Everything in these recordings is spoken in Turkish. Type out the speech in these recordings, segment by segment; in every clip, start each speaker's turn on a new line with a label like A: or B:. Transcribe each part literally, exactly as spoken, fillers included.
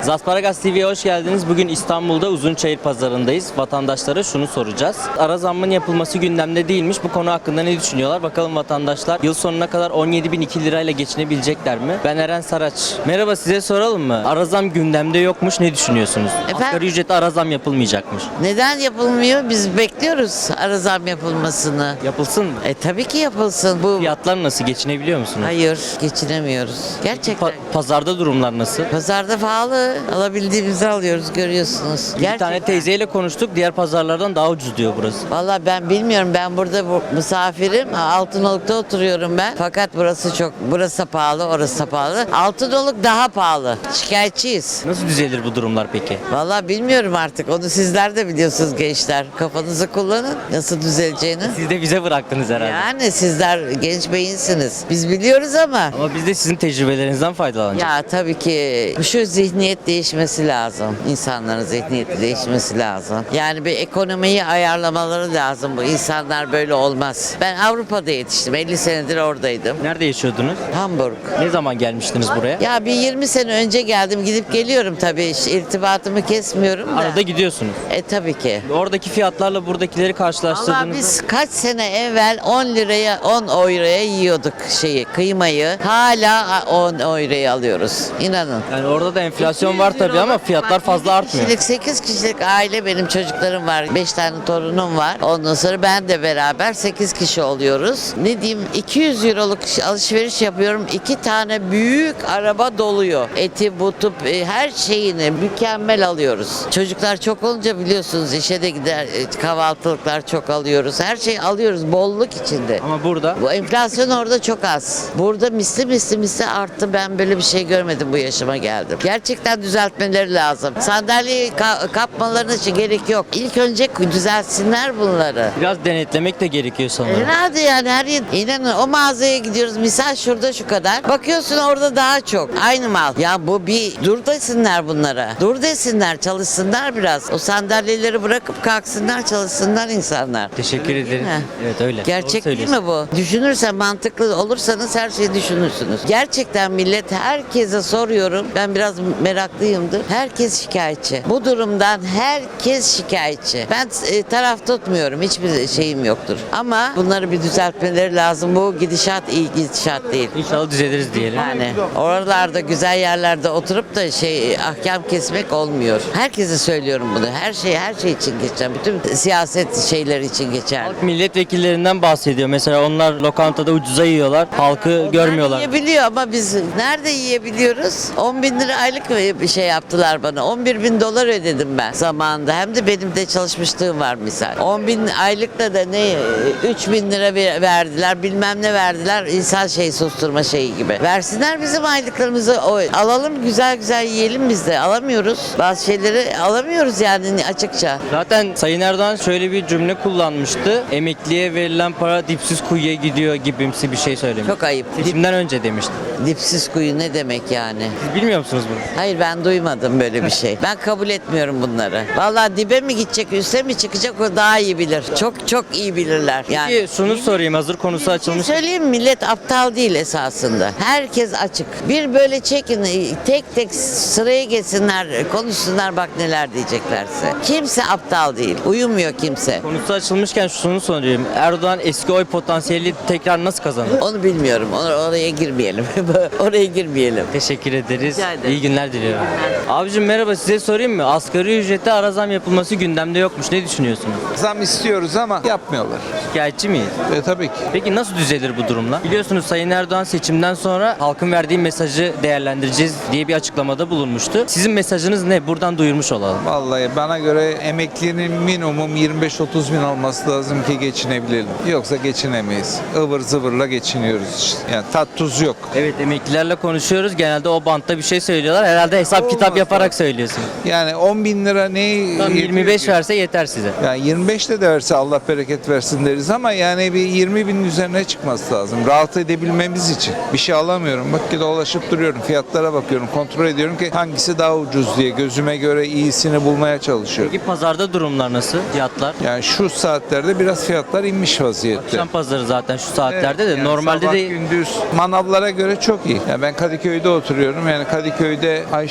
A: Zasparagas T V'ye hoş geldiniz. Bugün İstanbul'da Uzunçayır Pazarı'ndayız. Vatandaşlara şunu soracağız. Ara zammın yapılması gündemde değilmiş. Bu konu hakkında ne düşünüyorlar? Bakalım vatandaşlar yıl sonuna kadar on yedi bin iki lirayla geçinebilecekler mi? Ben Eren Saraç. Merhaba, size soralım mı? Ara zam gündemde yokmuş. Ne düşünüyorsunuz?
B: Efendim?
A: Asgari ücrete ara zam yapılmayacakmış.
B: Neden yapılmıyor? Biz bekliyoruz ara zam yapılmasını.
A: Yapılsın mı?
B: E tabii ki yapılsın. Bu
A: Fiyatlar nasıl? Geçinebiliyor musunuz?
B: hayır geçinemiyoruz. Gerçekten.
A: Pa- pazarda durumlar nasıl?
B: Pazarda pahalı. Alabildiğimizi alıyoruz, görüyorsunuz.
A: Bir tane teyzeyle konuştuk. Diğer pazarlardan daha ucuz diyor burası.
B: Vallahi ben bilmiyorum. Ben burada bu, misafirim. Altınoluk'ta oturuyorum ben. Fakat burası çok, burası da pahalı, orası da pahalı. Altınoluk daha pahalı. Şikayetçiyiz.
A: Nasıl düzelir bu durumlar peki?
B: Vallahi bilmiyorum artık. Onu sizler de biliyorsunuz gençler. Kafanızı kullanın. Nasıl düzeleceğini.
A: Siz de bize bıraktınız herhalde.
B: Yani sizler genç beyinsiniz. Biz biliyoruz ama
A: Ama biz de sizin tecrübelerinizden faydalanacağız.
B: ya tabii ki şu zihniyet değişmesi lazım. İnsanların zihniyeti değişmesi lazım. Yani bir ekonomiyi ayarlamaları lazım. Bu insanlar böyle olmaz. Ben Avrupa'da yetiştim. elli senedir oradaydım.
A: Nerede yaşıyordunuz?
B: Hamburg.
A: Ne zaman gelmiştiniz buraya?
B: Ya bir yirmi sene önce geldim. Gidip geliyorum tabii. Hiç irtibatımı kesmiyorum da.
A: Arada gidiyorsunuz.
B: E tabii ki.
A: Oradaki fiyatlarla buradakileri
B: Valla
A: karşılaştırdığınızda
B: biz kaç sene evvel on liraya on euroya yiyorduk şeyi kıymayı. Hala on euroya alıyoruz. İnanın.
A: yani orada da enflasyon var
B: iki yüz
A: tabii ama
B: liralık,
A: fiyatlar
B: bak,
A: fazla
B: yedi
A: artmıyor.
B: Kişilik, sekiz kişilik aile, benim çocuklarım var. beş tane torunum var. Ondan sonra ben de beraber sekiz kişi oluyoruz. Ne diyeyim, iki yüz euroluk alışveriş yapıyorum. iki tane büyük araba doluyor. Eti, butu, e, her şeyini mükemmel alıyoruz. Çocuklar çok olunca biliyorsunuz işe de gider, e, kahvaltılıklar çok alıyoruz. Her şeyi alıyoruz bolluk içinde.
A: Ama burada
B: Bu enflasyon orada çok az. Burada misli misli misli arttı. Ben böyle bir şey görmedim, bu yaşıma geldim. Gerçekten düzeltmeleri lazım. Sandalyeyi ka- kapmalarına hiç gerek yok. İlk önce düzeltsinler bunları.
A: biraz denetlemek de gerekiyor sanırım.
B: Herhalde yani her yer, inanın o mağazaya gidiyoruz, misal şurada şu kadar, bakıyorsun orada daha çok aynı mal. Ya bu bir dur desinler bunlara, dur desinler, çalışsınlar biraz, o sandalyeleri bırakıp kalksınlar, çalışsınlar insanlar.
A: Teşekkür
B: Öyle değil
A: ederim.
B: mi?
A: Evet öyle.
B: Gerçek
A: Doğru
B: değil
A: söylüyorsun.
B: mi bu? Düşünürsen, mantıklı olursanız her şeyi düşünürsünüz. Gerçekten millet, herkese soruyorum. Ben biraz meraklıyımdır. Herkes şikayetçi. Bu durumdan herkes şikayetçi. Ben e, taraf tutmuyorum. Hiçbir şeyim yoktur. Ama bunları bir düzeltmeleri lazım. Bu gidişat iyi gidişat değil.
A: İnşallah düzeliriz diyelim.
B: Yani oralarda güzel yerlerde oturup da şey ahkam kesmek olmuyor. Herkese söylüyorum bunu. Her şey her şey için geçer. Bütün siyaset şeyleri için geçer.
A: Halk milletvekillerinden bahsediyor. Mesela onlar lokantada ucuza yiyorlar. Halkı görmüyorlar.
B: Yiyebiliyor ama biz nerede yiyebiliyoruz? on bin lira aylık bir şey yaptılar bana. on bir bin dolar ödedim ben zamanında. Hem de benim de çalışmışlığım var misal. on bin aylıkla da ne üç bin lira ver- verdiler, bilmem ne verdiler. İnsan şey susturma şeyi gibi. Versinler bizim aylıklarımızı. O, alalım, güzel güzel yiyelim biz de. Alamıyoruz. Bazı şeyleri alamıyoruz yani açıkça.
A: Zaten Sayın Erdoğan şöyle bir cümle kullanmıştı. Emekliye verilen para dipsiz kuyuya gidiyor gibimsi bir şey söylemiş.
B: Çok ayıp. Dip,
A: Seçimden önce demişti.
B: dipsiz kuyu ne demek yani?
A: Siz bilmiyor musunuz bunu?
B: Hayır, ben duymadım böyle bir şey. Ben kabul etmiyorum bunları. Vallahi dibe mi gidecek, üste mi çıkacak, o daha iyi bilir. Çok çok iyi bilirler. Yani
A: Peki şunu sorayım, hazır konusu
B: bir şey
A: açılmış.
B: söyleyeyim mi? Millet aptal değil esasında. Herkes açık. Bir böyle çekin, tek tek sıraya geçsinler, konuşsunlar, bak neler diyeceklerse. Kimse aptal değil. Uyumuyor kimse.
A: Konusu açılmışken şunu sorayım. Erdoğan eski oy potansiyeli tekrar nasıl kazanır?
B: Onu bilmiyorum. Or- Oraya girmeyelim. Oraya girmeyelim.
A: Teşekkür ederiz.
B: Rica ederim.
A: İyi günler diliyorum. Abicim merhaba, size sorayım mı? Asgari ücrete ara zam yapılması gündemde yokmuş. Ne düşünüyorsunuz?
C: Zam istiyoruz ama yapmıyorlar.
A: Şikayetçi miyiz?
C: E tabii ki.
A: Peki nasıl düzelir bu durumlar? Biliyorsunuz Sayın Erdoğan seçimden sonra halkın verdiği mesajı değerlendireceğiz diye bir açıklamada bulunmuştu. Sizin mesajınız ne? Buradan duyurmuş olalım.
C: Vallahi bana göre emeklinin minimum yirmi beş otuz bin olması lazım ki geçinebilelim. Yoksa geçinemeyiz. Ivır zıvırla geçiniyoruz işte. Yani tat tuz yok.
A: Evet, emeklilerle konuşuyoruz. Genelde o bantta bir şey söylüyorlar. Herhalde hesap
C: Olmaz
A: kitap yaparak
C: lazım.
A: söylüyorsun.
C: Yani on bin lira neyi
A: Tam
C: yetiyor
A: yirmi beş
C: ki?
A: verse yeter size.
C: Yani yirmi beş de de verse Allah bereket versin deriz ama yani bir yirmi binin üzerine çıkması lazım. Rahat edebilmemiz için. Bir şey alamıyorum. Bak ki dolaşıp duruyorum. Fiyatlara bakıyorum. Kontrol ediyorum ki hangisi daha ucuz diye. Gözüme göre iyisini bulmaya çalışıyorum.
A: Peki pazarda durumlar nasıl? Fiyatlar?
C: Yani şu saatlerde biraz fiyatlar inmiş vaziyette.
A: Akşam pazarı zaten şu saatlerde de
C: Yani
A: normalde
C: sabah,
A: de
C: gündüz manavlara göre çok iyi. Yani ben Kadıköy'de oturuyorum. Yani Kadıköy'de Ayşe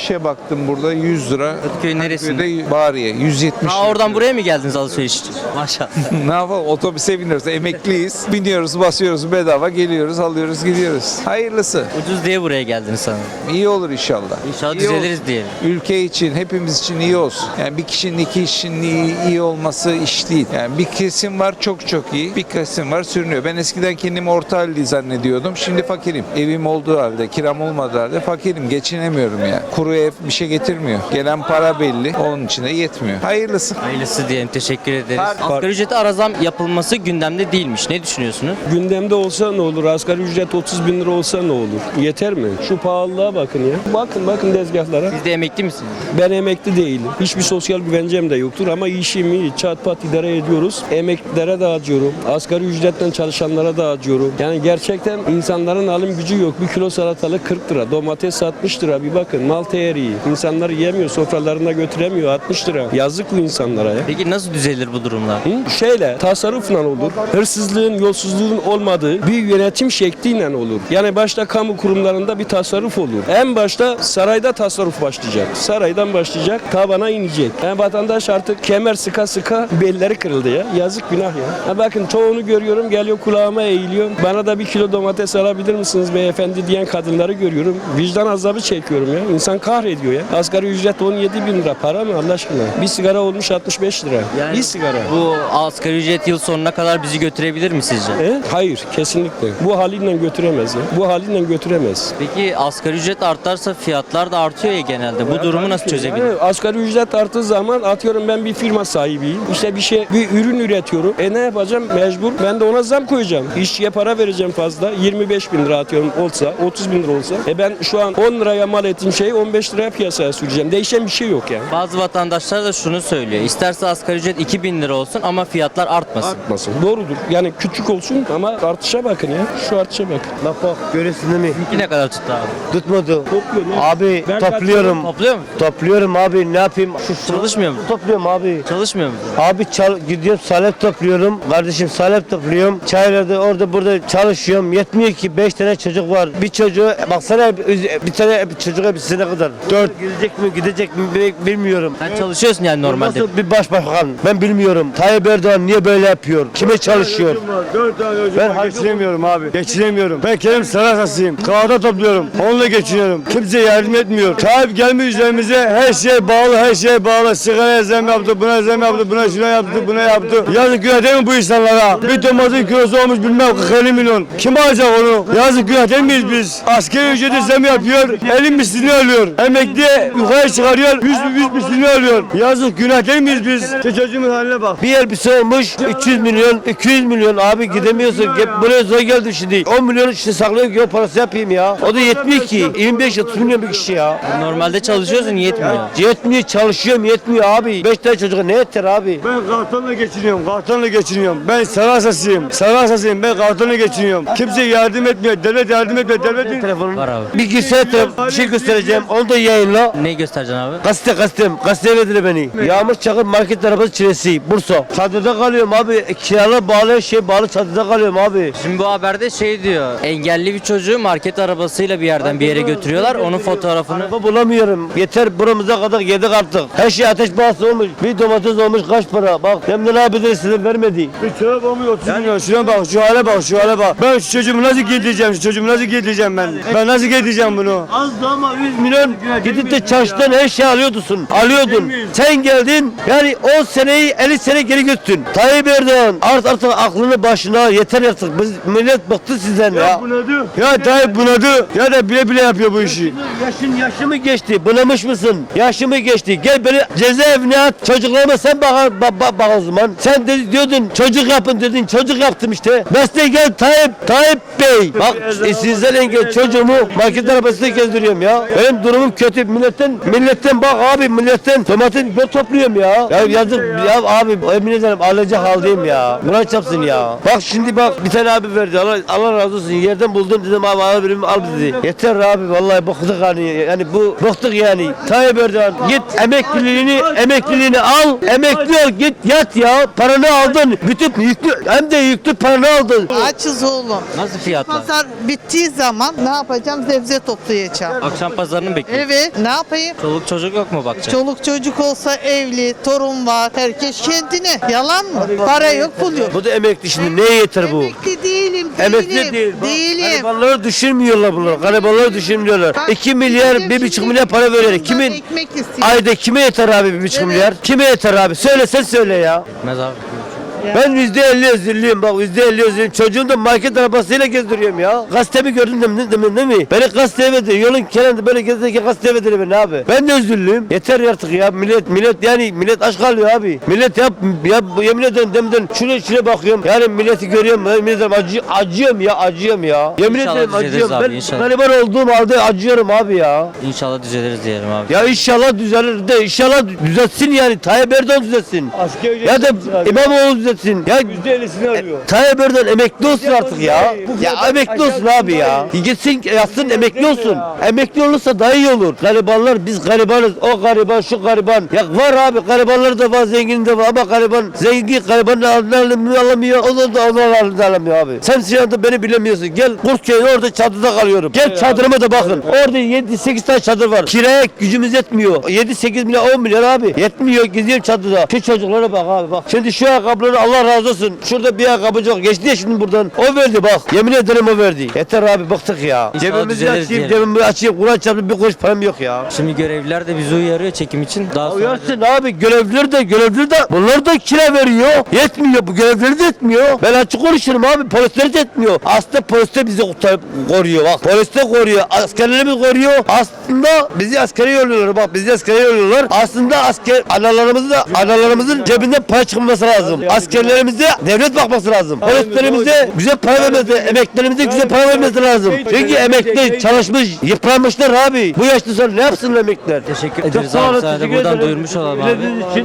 C: şişe baktım burada yüz lira.
A: Kadıköy neresinde?
C: Kadıköy'de Bariye yüz yetmiş.
A: Aa, oradan buraya mı geldiniz alışveriş için? Maşallah.
C: Ne yapalım, otobüse biniyoruz, emekliyiz. Biniyoruz, basıyoruz, bedava geliyoruz, alıyoruz, gidiyoruz. Hayırlısı.
A: Ucuz diye buraya geldiniz sanırım.
C: İyi olur inşallah.
A: İnşallah
C: İyi
A: düzeliriz
C: olsun.
A: diyelim.
C: Ülke için, hepimiz için iyi olsun. Yani bir kişinin iki kişinin iyi, iyi olması iş değil. Yani bir kesim var çok çok iyi, bir kesim var sürünüyor. Ben eskiden kendimi orta halli zannediyordum. Şimdi fakirim. Evim olduğu halde, kiram olmadığı halde fakirim. Geçinemiyorum yani. Kuru ev bir şey getirmiyor. Gelen para belli. Onun için de yetmiyor. Hayırlısı.
A: Hayırlısı diyelim. Teşekkür ederiz. Asgari ücrete ara zam yapılması gündemde değilmiş. Ne düşünüyorsunuz?
D: Gündemde olsa ne olur? Asgari ücret otuz bin lira olsa ne olur? Yeter mi? Şu pahalılığa bakın ya. Bakın bakın tezgahlara.
A: Siz de emekli misiniz?
D: Ben emekli değilim. Hiçbir sosyal güvencem de yoktur ama işimi çat pat idare ediyoruz. Emeklilere dağıtıyorum. Asgari ücretten çalışanlara dağıtıyorum. Yani gerçekten insanların alım gücü yok. Bir kilo salatalık kırk lira. Domates altmış lira. Bir bakın mal değeri. İnsanlar yiyemiyor. Sofralarına götüremiyor. altmış lira. Yazık bu insanlara ya.
A: Peki nasıl düzelir bu durumlar?
D: Hı? Şeyle tasarrufla olur. Hırsızlığın, yolsuzluğun olmadığı bir yönetim şekliyle olur. Yani başta kamu kurumlarında bir tasarruf olur. En başta sarayda tasarruf başlayacak. Saraydan başlayacak, tabana inecek. Yani vatandaş artık kemer sıka sıka belleri kırıldı ya. Yazık günah ya. Ha bakın çoğunu görüyorum geliyor kulağıma eğiliyor. Bana da bir kilo domates alabilir misiniz beyefendi diyen kadınları görüyorum. Vicdan azabı çekiyorum ya. İnsan kahrediyor ya. Asgari ücret on yedi bin lira para mı Allah aşkına? Bir sigara olmuş altmış beş lira.
A: Yani
D: bir sigara.
A: Bu asgari ücret yıl sonuna kadar bizi götürebilir mi sizce?
D: E? Hayır kesinlikle. Bu haliyle götüremez ya. Bu haliyle götüremez.
A: Peki asgari ücret artarsa fiyatlar da artıyor ya genelde. Bu durumu nasıl çözebilir?
D: Yani asgari ücret arttığı zaman atıyorum ben bir firma sahibiyim. İşte bir şey bir ürün üretiyorum. E ne yapacağım? Mecbur. Ben de ona zam koyacağım. İşçiye para vereceğim fazla. yirmi beş bin lira atıyorum olsa, otuz bin lira olsa. E ben şu an on liraya mal ettiğim şeyi on beş liraya piyasaya süreceğim. Değişen bir şey yok yani.
A: Bazı vatandaşlar da şunu söylüyor. İsterse asgari ücret iki bin lira olsun ama fiyatlar artmasın.
D: Artmasın. Doğrudur. Yani küçük olsun ama artışa bakın ya. Şu artışa bakın.
E: Bak bak görüyorsun değil mi?
A: Peki ne kadar tuttu abi?
E: Tutmadı.
D: Topluyor ne?
E: Abi
D: Ben
E: topluyorum.
A: Topluyor mu?
E: Topluyorum abi ne yapayım? Şu
A: Çalışmıyor mu?
E: Topluyorum abi.
A: Çalışmıyor mu?
E: Abi çal gidiyorum salep topluyorum. Kardeşim salep topluyorum. Çaylarda orada burada çalışıyorum. Yetmiyor ki beş tane çocuk var. Bir çocuğu baksana bir, bir tane bir çocuğa bir sene kadar. Dört gidecek mi gidecek mi bi- bilmiyorum.
A: Sen çalışıyorsun yani normalde.
E: Nasıl bir başbakan? Ben bilmiyorum. Tayyip Erdoğan niye böyle yapıyor? Kime çalışıyor?
F: Ben geçinemiyorum abi. Geçinemiyorum. Ben kendim sarasasıyım. Kağıda topluyorum. Onunla geçiniyorum. Kimse yardım etmiyor. Tayyip gelmiş üzerimize her şey bağlı, her şey bağlı. Sigara zam yaptı, buna zam yaptı, buna şuna yaptı, buna yaptı. Yazık günah değil mi bu insanlara? Bir domatesin kilosu olmuş bilmem kırk elli milyon. Kim alacak onu? Yazık günah değil miyiz biz? Askeri ücreti zam yapıyor. elli mislini alıyor. Emekliye yukarı çıkarıyor. yüz yüz mislini alıyor. Yazık günah değil miyiz biz? Şu çocuğumun haline bak.
E: Bir elbise olmuş üç yüz milyon, iki yüz milyon abi gidemiyorsun. Gel- Buraya zor geldim şimdi. on milyon işte saklayıp yol parası yapayım ya. O da yetmiyor ki. yirmi beş otuz milyon bir kişi ya.
A: Normalde çalışıyorsun yetmiyor.
E: Yetmiyor çalışıyorum yetmiyor abi. beş tane çocuğa ne yeter abi?
F: Ben kartonla geçiniyorum, kartonla geçiniyorum. Ben Sarasasıyım, Sarasasıyım. Ben kartonla geçiniyorum. Kimse yardım etmiyor, devlet yardım etmiyor, devletin...
E: Telefonun.
A: Var abi.
E: Bir girsene telefon- bir şey göstereceğim. Onu da yayınla.
A: Ne göstereceksin abi?
E: Gazete gazetem. Gazeteye verdiler beni. Yağmur Çakır market arabası çilesi. Bursa. Çadırda kalıyorum abi. Kiralar bağlı şey bağlı çadırda kalıyorum abi.
A: Şimdi bu haberde şey diyor. Engelli bir çocuğu market arabasıyla bir yerden bir yere götürüyorlar. Onun fotoğrafını.
E: Araba bulamıyorum. Yeter buramıza kadar yedik artık. Her şey ateş pahası olmuş. Bir domates olmuş kaç para? Bak Emre abi de size vermedi.
F: Bir çorap olmuş otuz milyon. Şuna bak, şu hale bak, şu hale bak. Ben şu çocuğumu nasıl giydireceğim, şu çocuğumu nasıl giydireceğim ben? Ben nasıl giydireceğim bunu?
E: Az da ama yüz milyon gidip de çarşıdan her şey alıyordun. Alıyordun. Sen geldin yani on seneyi elli sene geri götürdün. Tayyip Erdoğan art artık aklını başına yeter artık. Biz millet bıktı sizden ya.
F: Bunadı. Ya Tayyip bunadı. Ya da bile bile yapıyor bu işi.
E: Yaşın yaşı mı geçti? Bunamış mısın? Yaşı mı geçti? Gel beni cezaevine at. Çocuklarıma sen bak, bak, bak, bak o zaman. Sen de, diyordun çocuk yapın dedin. Çocuk yaptım işte. Mesleğe gel Tayyip. Tayyip Bey. Bak e, sizden engel çocuğumu market arabasında gezdiriyorum ya. Benim durumum kötü. Milletten milletten bak abi milletten domates ben topluyorum ya. Ya yazık ya abi emin ederim alacak haldeyim ya. Buna çapsın ya. Bak şimdi bak bir tane abi verdi. Allah, Allah razı olsun. Yerden buldum dedim abi al birimi al dedi. Yeter abi vallahi bıktık hani. Yani bu bıktık yani. Tayyip Erdoğan git emekliliğini emekliliğini al. Emekli ol git yat ya. Paranı aldın. Bütün yüklü hem de yüklü paranı aldın.
G: Açız oğlum.
A: Nasıl fiyatlar?
G: Pazar bittiği zaman ne yapacağım? Sebze toplayacağım.
A: Akşam pazarını mı bekliyorsun?
G: Evet, ne yapayım?
A: Çoluk çocuk yok mu bakacak?
G: Çoluk çocuk olsa evli, torun var, herkes kendine. Yalan mı? Para yok, pul yok.
E: Bu da emekli şimdi. Neye yeter bu?
G: Emekli değilim, değilim.
E: Emekli değil. Bak,
G: Değilim.
E: Garibanları düşünmüyorlar bunlar. Garibanları düşünmüyorlar.
G: Bak,
E: iki milyar,
G: bizim
E: bir buçuk
G: şimdi
E: milyar para veriyor.
G: ondan
E: Kimin?
G: ekmek istiyor.
E: Ayda kime yeter abi bir buçuk
G: Evet.
E: milyar? Kime yeter abi? Söyle sen söyle ya.
A: Etmez abi.
E: Ben yüzde elli özürlüyüm bak yüzde elli özürlüyüm. Çocuğum da market arabasıyla gezdiriyorum ya. Gazetemi gördün değil mi? Değil mi? Değil mi? Beni gazeteye verdi. Yolun kenarında böyle gezerken gazeteye verdi beni abi. Ben de özürlüyüm. Yeter artık ya. Millet millet yani millet aç kalıyor abi. Millet yap ya yemin ederim demeden şuraya şuraya bakıyorum. Yani milleti görüyorum. Ben yemin ederim acı, acıyorum ya acıyorum ya. Yemin
A: İnşallah
E: ederim
A: düzeliriz
E: acıyorum.
A: abi,
E: Ben
A: inşallah.
E: gariban olduğum halde acıyorum abi ya.
A: İnşallah düzeliriz diyelim abi.
E: Ya inşallah düzelir de inşallah düzeltsin yani. Tayyip Erdoğan düzeltsin.
F: Asgari ücret
E: Ya da
F: abi.
E: İmamoğlu düzeltsin. Ya
F: yüzde ellisini alıyor.
E: Tayyip Erdoğan emekli olsun artık ya.
F: Bu
E: Ya
F: kadar
E: emekli olsun
F: aşağı
E: abi ya.
F: yukarı.
E: Gitsin yatsın emekli olsun.
F: ya.
E: Emekli olursa daha iyi olur. Garibanlar biz garibanız. O gariban şu gariban. Ya var abi garibanlar da var zengin de var ama gariban zengin gariban alamıyor alamıyor. O da, da onu alamıyor abi. Sen şu anda beni bilemiyorsun. Gel Kurtköy'ün orada çadırda kalıyorum. Gel çadırıma da bakın. Orada yedi sekiz tane çadır var. Kiraya gücümüz yetmiyor. yedi sekiz milyar on milyar abi. Yetmiyor geziyorum çadırda. Şu çocuklara bak abi bak. Şimdi şu ayakkabıları Allah razı olsun. Şurada bir ayakkabıcı var. Geçti ya şimdi buradan. O verdi bak. Yemin ederim o verdi. Yeter abi bıktık ya.
A: İnşallah
E: Cebimizi
A: düzeliriz
E: açayım,
A: diyelim.
E: cebimi açayım. Kur'an çarptı bir kuruş param yok ya.
A: Şimdi görevliler de bizi uyarıyor çekim için. Daha sonra
E: Uyarsın abi görevliler de görevliler de bunlar da kira veriyor. Yetmiyor bu görevliler de yetmiyor. Ben açık konuşurum abi polisler de yetmiyor. Aslında polis de bizi kurtarıp koruyor bak. Polis de koruyor. Askerlerimiz koruyor. Aslında bizi askere yolluyorlar bak bizi askere yolluyorlar. Aslında asker analarımızın da analarımızın cebinden para çıkması lazım. Askerlerimize devlet bakması lazım. Polislerimize güzel para vermesi, emeklerimize güzel para vermesi lazım. Çünkü emekli çalışmış, yıpranmışlar abi. Bu yaşta sonra ne yapsınlar emekliler?
A: teşekkür
E: Çok
A: ederiz
E: sağ
A: abi.
E: olun,
A: Sana da
E: teşekkür
A: buradan
E: ederim.
A: duyurmuş olalım abi.
E: Dinlediğiniz için